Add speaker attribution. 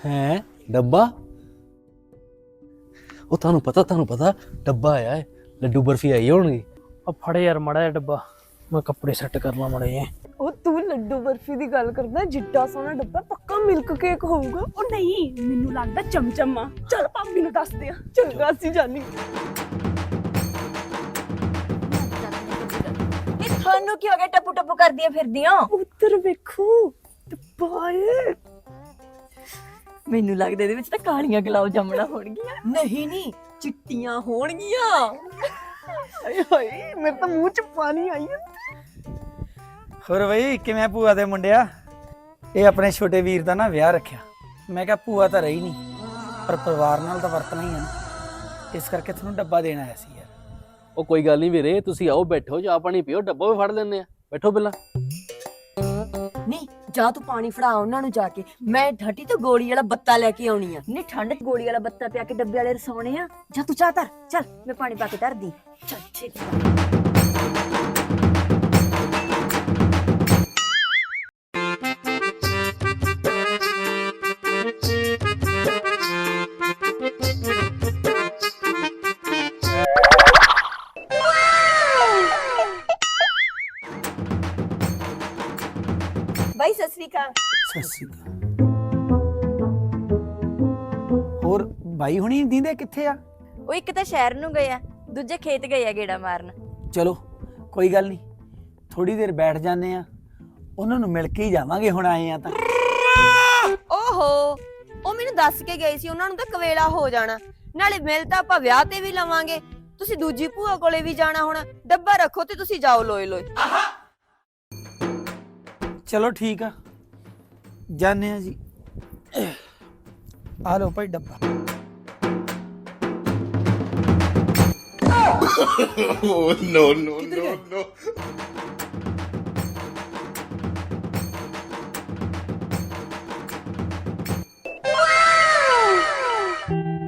Speaker 1: है डब्बा ਉਹ ਤੁਹਾਨੂੰ ਪਤਾ ਡੱਬਾ ਆਇਆ ਹੈ ਲੱਡੂ ਬਰਫੀ ਆਈ ਹੋਣਗੀ
Speaker 2: ਆ ਫੜੇ ਯਾਰ ਮੜਾ ਡੱਬਾ ਮੈਂ ਕੱਪੜੇ ਸੈੱਟ ਕਰ ਲਾਂ ਮੜੇ ਜੇ
Speaker 3: ਉਹ ਤੂੰ ਲੱਡੂ ਬਰਫੀ ਦੀ ਗੱਲ ਕਰਦਾ ਜਿੱਡਾ ਸੋਹਣਾ ਡੱਬਾ ਪੱਕਾ ਮਿਲਕ ਕੇਕ ਹੋਊਗਾ
Speaker 4: ਉਹ ਨਹੀਂ ਮੈਨੂੰ ਲੱਗਦਾ ਚਮਚਮ ਆ ਚਲ ਭਾਬੀ ਨੂੰ ਦੱਸਦੇ ਆ
Speaker 3: ਚੰਗਾ ਸੀ ਜਾਨੀ
Speaker 5: ਇਹ ਤੁਹਾਨੂੰ ਕੀ ਹੋ ਗਿਆ ਟੱਪੂ ਟੱਪੂ ਕਰਦੀਆਂ ਫਿਰਦੀਆਂ
Speaker 3: ਉੱਤਰ ਵੇਖੋ ਡੱਬਾ ਏ
Speaker 5: ਮੈਨੂੰ ਲੱਗਦਾ ਇਹਦੇ ਵਿੱਚ ਤਾਂ ਕਾਲੀਆਂ ਗੁਲਾਬ ਜਾਮਣਾ ਹੋਣਗੀਆਂ ਨਹੀਂ ਚਿੱਟੀਆਂ ਹੋਣਗੀਆਂ
Speaker 3: ਹਾਏ ਹਾਏ ਮੇਰੇ ਤਾਂ ਮੂੰਹ ਚ ਪਾਣੀ ਆਈ
Speaker 6: ਹੋਰ ਬਈ ਕਿਵੇਂ ਭੂਆ ਦੇ ਮੁੰਡਿਆ ਇਹ ਆਪਣੇ ਛੋਟੇ ਵੀਰ ਦਾ ਨਾ ਵਿਆਹ ਰੱਖਿਆ ਮੈਂ ਕਿਹਾ ਭੂਆ ਤਾਂ ਰਹੀ ਨਹੀਂ ਪਰ ਪਰਿਵਾਰ ਨਾਲ ਤਾਂ ਵਰਤਣਾ ਹੀ ਹੈ ਨਾ ਇਸ ਕਰਕੇ ਤੁਹਾਨੂੰ ਡੱਬਾ ਦੇਣ ਆਇਆ ਸੀ ਯਾਰ
Speaker 1: ਉਹ ਕੋਈ ਗੱਲ ਨਹੀਂ ਵੀਰੇ ਤੁਸੀਂ ਆਓ ਬੈਠੋ ਚਾਹ ਪਾਣੀ ਪੀਓ ਡੱਬਾ ਵੀ ਫੜ ਲੈਂਦੇ ਆ ਬੈਠੋ ਪਹਿਲਾਂ
Speaker 5: ਨਹੀਂ ਜਾ ਤੂੰ ਪਾਣੀ ਫੜਾ ਉਹਨਾਂ ਨੂੰ ਜਾ ਕੇ ਮੈਂ ਠੱਟੀ ਤੋਂ ਗੋਲੀ ਵਾਲਾ ਬੱਤਾ ਲੈ ਕੇ ਆਉਣੀ ਆ ਨਹੀਂ ਠੰਡ ਚ ਗੋਲੀ ਵਾਲਾ ਬੱਤਾ ਪਿਆ ਕੇ ਡੱਬੇ ਵਾਲੇ ਰਸੌਣੇ ਆ ਜਾ ਤੂੰ ਚਾਹ ਧਰ ਚੱਲ ਮੈਂ ਪਾਣੀ ਪਾ ਕੇ ਧਰਦੀ ਚੱਲ ਛੇਤੀ ਬਾਈ ਸਤਿ ਸ੍ਰੀ ਅਕਾਲ
Speaker 6: ਸਤਿ ਸ਼੍ਰੀ ਅਕਾਲ ਹੋਰ ਬਾਈ ਹੁਣੀ ਦੀਂਦੇ ਕਿੱਥੇ ਆ
Speaker 5: ਉਹ ਇੱਕ ਤਾਂ ਸ਼ਹਿਰ ਨੂੰ ਗਏ ਆ ਦੂਜੇ ਖੇਤ ਗਏ ਆ ਗੇੜਾ ਮਾਰਨ
Speaker 6: ਚਲੋ ਕੋਈ ਗੱਲ ਨਹੀਂ ਥੋੜੀ ਦੇਰ ਬੈਠ ਜਾਂਦੇ ਆ ਉਹਨਾਂ ਨੂੰ ਮਿਲ ਕੇ ਹੀ ਜਾਵਾਂਗੇ ਹੁਣ ਆਏ ਆ ਤਾਂ
Speaker 7: ਓਹੋ ਉਹ ਮੈਨੂੰ ਦੱਸ ਕੇ ਗਏ ਸੀ ਉਹਨਾਂ ਨੂੰ ਤਾਂ ਕਵੇਲਾ ਹੋ ਜਾਣਾ ਨਾਲੇ ਮਿਲ ਤਾਂ ਆਪਾਂ ਵਿਆਹ ਤੇ ਵੀ ਲਵਾਂਗੇ ਤੁਸੀਂ ਦੂਜੀ ਭੂਆ ਕੋਲੇ ਵੀ ਜਾਣਾ ਹੁਣ ਡੱਬਾ ਰੱਖੋ ਤੇ ਤੁਸੀਂ ਜਾਓ ਲੋਏ ਲੋਏ
Speaker 6: ਚਲੋ ਠੀਕ ਆ ਜਾਣੇ ਆ ਜੀ ਆ ਲਓ ਭਾਈ ਡੱਬਾ
Speaker 8: Oh, no.